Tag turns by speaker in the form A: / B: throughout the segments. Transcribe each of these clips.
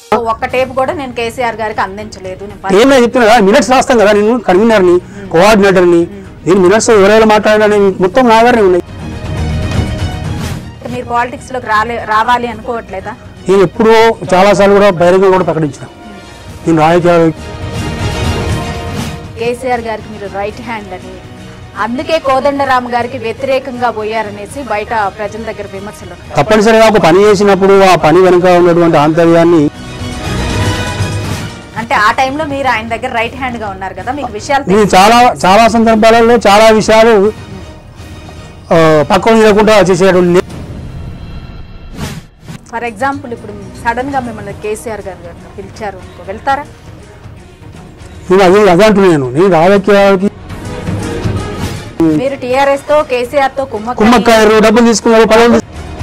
A: ఒక్క టేప్ కూడా నేను కేసీఆర్ గారికి అందించలేదు.
B: ఏమైనా చెప్తున్నా మినిట్స్ రాస్తాం కదా, నేను కన్వీనర్ని, కోఆర్డినేటర్ని, నేను మినిట్స్ ఎవరైనా మాట్లాడాలని మొత్తం నా దగ్గరనే ఉన్నాయి.
A: మీరు పాలిటిక్స్ లోకి రావాలి అనుకోవట్లేదా?
B: నేను ఎప్పుడో చాలాసార్లు కూడా బహిరంగంగా కూడా ప్రకటించిన నేను రాజకీయాలు.
A: కేసీఆర్ గారికి మీరు రైట్ హ్యాండ్ అని, అందుకే కోదండరామ్ గారికి వ్యతిరేకంగా పోయారనేసి బయట ప్రజల దగ్గర విమర్శలు.
B: తప్పనిసరిగా ఒక పని చేసినప్పుడు ఆ పని వెనుక ఉన్నటువంటి ఆంతర్యాన్ని,
A: అంటే ఆ టైంలో మీరు ఆయన దగ్గర రైట్ హ్యాండ్ గా ఉన్నారు కదా, మీకు విషయాలు
B: నేను చాలా సందర్భాలలో చాలా విషయాలు పక్కన లేకుండా చేసేటువంటి.
A: ఫర్ ఎగ్జాంపుల్ ఇప్పుడు సడన్ గా మిమ్మల్ని కేసీఆర్ గారు పిలిచారు, వెళ్తారా?
B: నేను అదే అంటున్నాను, నేను రాజకీయాలకి
A: మీరు టీఆర్ఎస్ తో కేసీఆర్ తో
B: కుమ్మక్కాయరు, డబ్బులు తీసుకున్నారు, పదవులు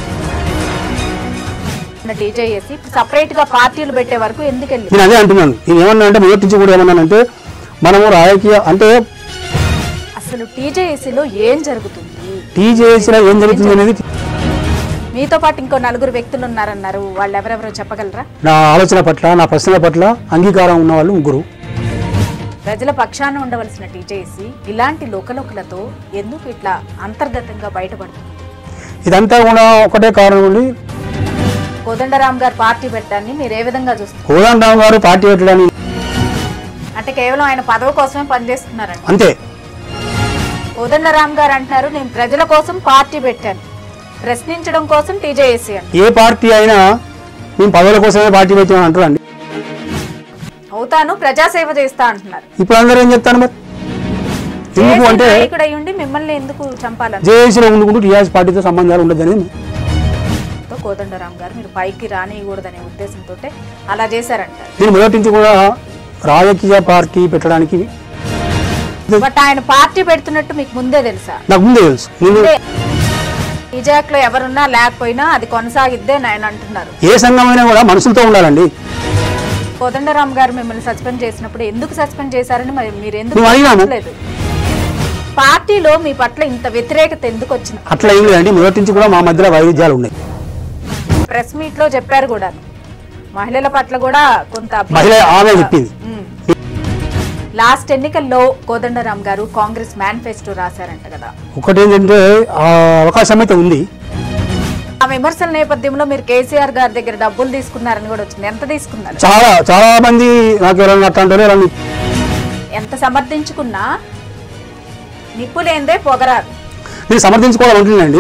A: టీజేఎస్ సపరేట్ గా పార్టీలు పెట్టే వరకు ఎందుకు వెళ్ళి?
B: నేను అదే అంటున్నాను. నేను ఏమన్నా అంటే మొదటి నుంచి కూడా ఏమన్నానంటే మనము రాజకీయ అంటే
A: అసలు టీజేఎస్లో ఏం జరుగుతుంది,
B: టీజేఎస్లో ఏం జరుగుతుంది అనేది
A: మీతో పాటు ఇంకో 4 వ్యక్తులు ఉన్నారన్నారు, వాళ్ళు ఎవరెవరో చెప్పగలరా?
B: నా ఆలోచన పట్ల, నా ప్రశ్నల పట్ల అంగీకారం ఉన్న వాళ్ళు 3.
A: ప్రజల పక్షాన ఉండవలసిన టీజేఎస్ ఇలాంటి లోకలోకలతో ఎందుకు ఇట్లా అంతర్గతంగా బయటపడుతుంది?
B: ఇదంతా కూడా ఒకటే కారణం ఉంది.
A: కోదండరామ్ గారు పార్టీ పెట్టడాన్ని మీరు ఏ విధంగా చూస్తారు?
B: కోదండరామ్ గారు పార్టీ పెట్టడాన్ని
A: అంటే కేవలం ఆయన పదవి కోసమే పనిచేస్తున్నారండి
B: అంతే.
A: కోదండరామ్ గారు అంటున్నారు నేను ప్రజల కోసం పార్టీ పెట్టాను, ప్రశ్నించడం కోసం టీజేఎస్ అని.
B: ఏ పార్టీ అయినా మేము పదవుల కోసమే పార్టీ పెట్టామని అంటారండి.
A: అవుతాను, ప్రజాసేవ చేస్తా అంటున్నారు.
B: ఇప్పుడు అందరూ ఏం చెప్తాను మరి? ఎందుకు అంటే
A: ఇక్కడ ఉండి మిమ్మల్ని ఎందుకు చంపాలని?
B: జేఏసీలో ఉండుకుంటూ టీఆర్ఎస్ పార్టీతో సంబంధాలు ఉండదని
A: కోదండరామ్ గారు మీరు పైకి రానియకూడదనే ఉద్దేశంతో అలా చేశారంటారు.
B: నేను మొదటి నుంచి కూడా రాజకీయ పార్టీ పెట్టడానికి,
A: బట్ ఆయన పార్టీ పెడుతున్నట్టు మీకు ముందే తెలుసా?
B: నాకు ముందే తెలుసు.
A: ఈజాక్ లో ఎవరున్నా లేకపోయినా అది కొనసాగిద్దే ఆయన అంటున్నారు.
B: ఏ సంఘమైనా కూడా మనుషులతో ఉండాలండి.
A: కోదండరామ్ గారు మిమ్మల్ని సస్పెండ్ చేసినప్పుడు ఎందుకు సస్పెండ్ చేశారని మరి మీరు ఎందుకు లేదు? పార్టీలో మీ పట్ల ఇంత వ్యతిరేకత ఎందుకు వచ్చింది?
B: అట్లా ఏం లేదండి, మొదటి నుంచి కూడా మా మధ్యలో వైవిధ్యాలు ఉన్నాయి.
A: ప్రెస్ మీట్ లో చెప్పారు కూడా, మహిళల పట్ల కూడా కొంత
B: ఆమె చెప్పింది.
A: లాస్ట్ ఎన్నికల్లో కోదండరామ్ గారు కాంగ్రెస్ మేనిఫెస్టో రాశారంట కదా,
B: ఒకటి ఏంటంటే అవకాశం అయితే ఉంది.
A: ఆ విమర్శల నేపథ్యంలో మీరు కేసీఆర్ గారి దగ్గర డబ్బులు తీసుకున్నారని కూడా వచ్చింది. ఎంత తీసుకున్నారు?
B: చాలా మంది నాకు ఎవరైనా అట్లాంటి
A: ఎంత సమర్థించుకున్నా నిప్పులేందే పొగరారు.
B: నేను సమర్థించుకోవాలంటున్నానండి.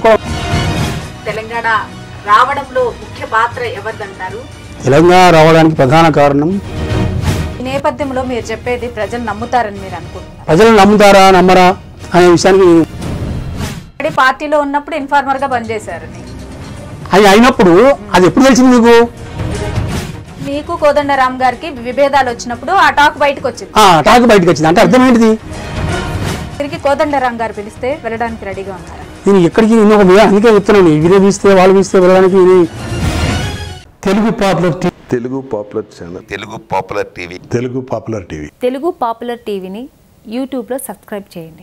A: తెలంగాణ రావడంలో ముఖ్య పాత్ర ఎవరిదంటారు?
B: తెలంగాణ రావడానికి ప్రధాన కారణం
A: ఈ నేపథ్యంలో మీరు చెప్పేది ప్రజలు నమ్ముతారని మీరు అనుకుంటున్నారు?
B: ప్రజలు నమ్ముతారా నమ్మరా అనే విషయానికి
A: పార్టీలో ఉన్నప్పుడు ఇన్ఫార్మర్ గా పనిచేశారని
B: అది అయినప్పుడు అది ఎప్పుడు తెలిసింది
A: మీకు కోదండరామ్ గారికి విభేదాలు వచ్చినప్పుడు ఆ టాక్ బయటకు వచ్చింది.
B: అంటే అర్థం ఏంటిది?
A: తిరిగి కోదండరామ్ గారు పిలిస్తే వెళ్ళడానికి రెడీగా ఉన్నారా?
B: నేను ఎక్కడికి అందుకే చెప్తున్నాను, వీరే పిలిస్తే వాళ్ళు పిలిస్తే వెళ్ళడానికి.
C: Telugu popular channel, Telugu popular టీవీని యూట్యూబ్లో సబ్స్క్రైబ్ చేయండి.